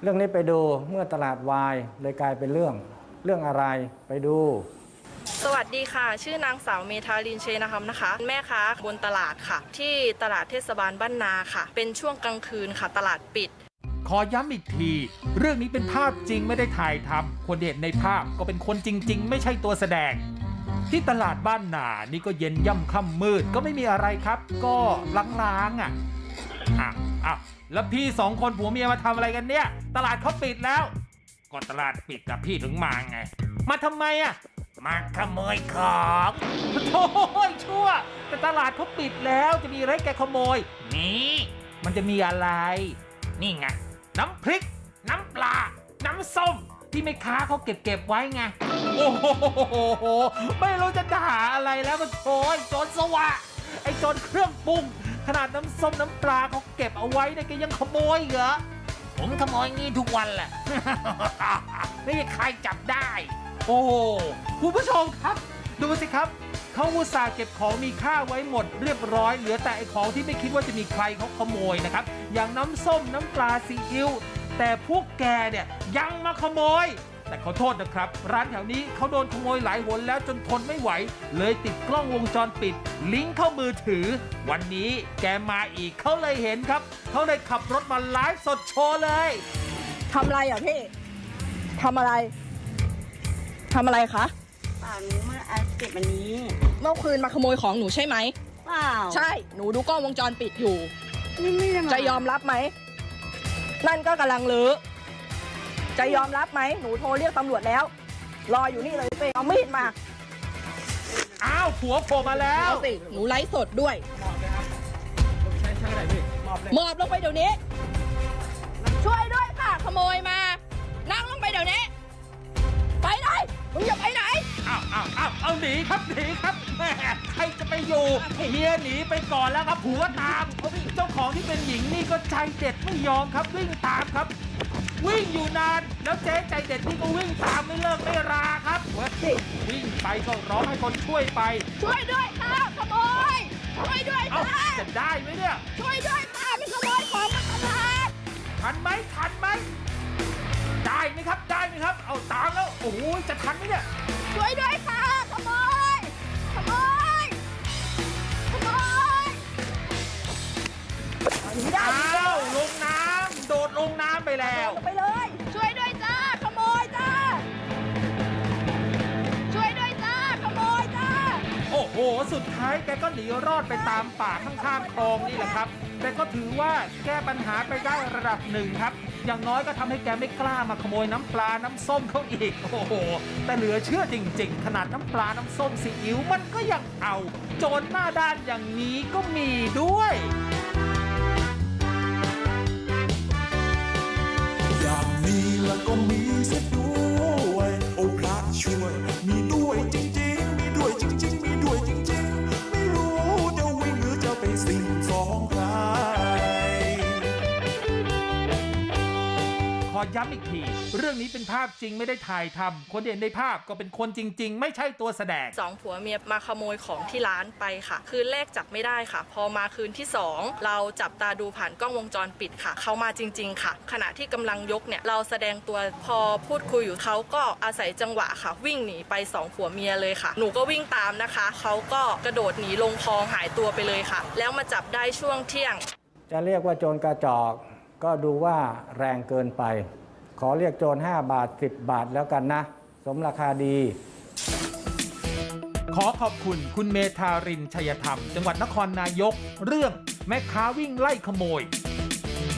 เรื่องนี้ไปดูเมื่อตลาดวายเลยกลายเป็นเรื่องอะไรไปดูสวัสดีค่ะชื่อนางสาวเมธาลินเชนคำนะคะแม่ค้าบนตลาดค่ะที่ตลาดเทศบาลบ้านนาค่ะเป็นช่วงกลางคืนค่ะตลาดปิดขอย้ำอีกทีเรื่องนี้เป็นภาพจริงไม่ได้ถ่ายทำคนที่เห็นในภาพก็เป็นคนจริงๆไม่ใช่ตัวแสดงที่ตลาดบ้านนานี่ก็เย็นย่ำค่ำมืดก็ไม่มีอะไรครับก็ล้างๆแล้วพี่สองคนผัวเมียมาทำอะไรกันเนี่ยตลาดเขาปิดแล้วก็ตลาดปิดกับพี่ถึงมาไงมาทำไมมาขโมยของโถ่ชั่วแต่ตลาดเขาปิดแล้วจะมีอะไรแกขโมยนี่มันจะมีอะไรนี่ไงน้ำพริกน้ำปลาน้ำส้มที่แม่ค้าเขาเก็บไว้ไงโอ้โหไม่รู้จะด่าอะไรแล้วมันโอยโจรสวะไอ้โจรเครื่องปรุงขนาดน้ำส้มน้ำปลาเขาเก็บเอาไว้เนี่ยแกยังขโมยเหรอผมขโมยงี้ทุกวันแหละ ไม่มีใครจับได้โอ้คุณผู้ชมครับดูสิครับเขาอุตส่าห์เก็บของมีค่าไว้หมดเรียบร้อยเหลือแต่ไอ้ของที่ไม่คิดว่าจะมีใครเขาขโมยนะครับอย่างน้ำส้มน้ำปลาซีอิ๊วแต่พวกแกเนี่ยยังมาขโมยแต่ขอโทษนะครับร้านแถวนี้เขาโดนขโมยหลายหนแล้วจนทนไม่ไหวเลยติดกล้องวงจรปิดลิงก์เข้ามือถือวันนี้แกมาอีกเขาเลยเห็นครับเขาเลยขับรถมาไลฟ์สดโชว์เลยทำอะไรพี่ทำอะไรคะเปล่าหนูมาเก็บอันนี้เมื่อคืนมาขโมยของหนูใช่ไหมเปล่าใช่หนูดูกล้องวงจรปิดอยู่ไม่จะยอมรับไหมนั่นก็กำลังลื้อจะยอมรับไหมหนูโทรเรียกตำรวจแล้วรออยู่นี่เลยไปเอามีดมาอ้าวผัวโผล่มาแล้วเอาสิหนูไลฟ์สดด้วยหมอบลงไปเดี๋ยวนี้ช่วยด้วยค่ะขโมยมานั่งลงไปเดี๋ยวนี้ไปไหนมึงอย่าไปไหนเอาหนีครับแม่ใครจะไปอยู่เมียหนีไปก่อนแล้วครับผัวตามเจ้าของที่เป็นหญิงนี่ก็ใจเด็ดไม่ยอมครับวิ่งตามครับวิ่งอยู่นานแล้วเจ๊ใจเด็ดนี่ก็วิ่งตามไม่เลิกไม่ราครับวิ่งไปก็ร้องให้คนช่วยไปช่วยด้วยค่ะขโมยช่วยด้วยค่ะจะได้ไหมเนี่ยช่วยด้วยค่ะมันขโมยของมาตลาดทันไหมได้ไหมครับเอาตามแล้วโอ้โหจะทันไหมเนี่ยช่วยด้วยค่ะขโมยอ้าวลงน้ำโดดลงน้ำไปแล้วไปเลยช่วยด้วยจ้าขโมยจ้าช่วยด้วยจ้าขโมยจ้าโอ้โหสุดท้ายแกก็หนีรอดไปตามป่าข้างๆคลองนี่แหละครับแต่ก็ถือว่าแก้ปัญหาไปได้ระดับหนึ่งครับอย่างน้อยก็ทำให้แกไม่กล้ามาขโมยน้ำปลาน้ำส้มเขาอีกโอ้โหแต่เหลือเชื่อจริงๆขนาดน้ำปลาน้ำส้มซีอิ๊วมันก็ยังเอาโจรหน้าด้านอย่างนี้ก็มีด้วยอย่างนี้แล้วก็มีเสียด้วยโอ้พระช่วยมีด้วยจริงๆมีด้วยจริงๆมีด้วยจริงๆไม่รู้จะวิ่งหรือจะไปสิ่งฟ้องใครขอย้ำอีกทีเรื่องนี้เป็นภาพจริงไม่ได้ถ่ายทำคนเห็นในภาพก็เป็นคนจริงๆไม่ใช่ตัวแสดงสองผัวเมียมาขโมยของที่ร้านไปค่ะคืนแรกจับไม่ได้ค่ะพอมาคืนที่2เราจับตาดูผ่านกล้องวงจรปิดค่ะเขามาจริงๆค่ะขณะที่กำลังยกเนี่ยเราแสดงตัวพอพูดคุยอยู่เขาก็อาศัยจังหวะค่ะวิ่งหนีไป2ผัวเมียเลยค่ะหนูก็วิ่งตามนะคะเขาก็กระโดดหนีลงคลองหายตัวไปเลยค่ะแล้วมาจับได้ช่วงเที่ยงจะเรียกว่าโจรกระจอกก็ดูว่าแรงเกินไปขอเรียกโจร5 บาท10 บาทแล้วกันนะสมราคาดีขอขอบคุณคุณเมธารินชัยธรรมจังหวัดนครนายกเรื่องแม่ค้าวิ่งไล่ขโมย